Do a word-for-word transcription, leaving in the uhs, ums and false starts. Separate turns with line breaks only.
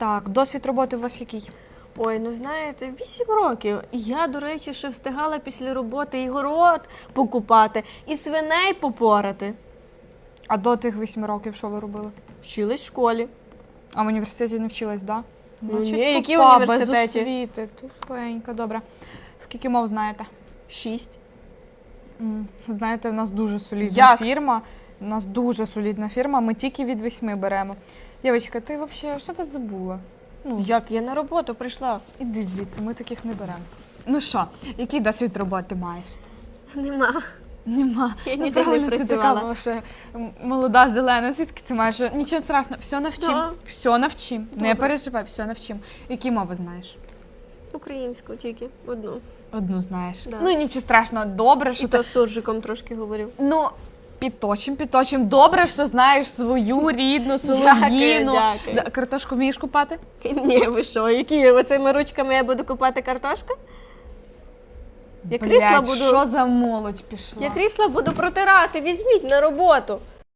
Так, досвід роботи у вас який?
Ой, ну знаєте, вісім років. І я, до речі, ще встигала після роботи і город покупати, і свиней попорати.
А до тих восьми років що ви робили?
Вчилась в школі.
А в університеті не вчилась, так? Да?
Ну, ні, які в
тупа,
університеті?
Без освіти, тупенька, добре. Скільки мов знаєте?
Шість.
М, Знаєте, в нас дуже солідна
Як?
фірма. У нас дуже солідна фірма, ми тільки від восьми беремо. Дівчатка, ти взагалі що тут забула? Ну,
Як я на роботу прийшла?
іди звідси, ми таких не беремо. Ну що, який досвід роботи маєш?
Нема.
Нема.
Я
Ну,
ніде не
правильно, ти
працювала.
така ще м, молода, зелена. Звідки ти маєш? Нічого страшного, все навчим.
Да.
Все навчим. Не
Добре.
переживай, все навчим. Які мови знаєш?
Українську тільки, одну.
Одну знаєш.
Да.
Ну нічого страшного, добре, що
І
ти...
то з суржиком трошки говорив.
Ну, підточим, підточим. Добре, що знаєш свою рідну солов'їну.
дякую.
Да, картошку вмієш купати?
Ні, ви що, які оцими ручками я буду купати картошку? Я крісла
Блядь,
буду,
що за молодь пішла?
я крісла буду протирати, візьміть на роботу.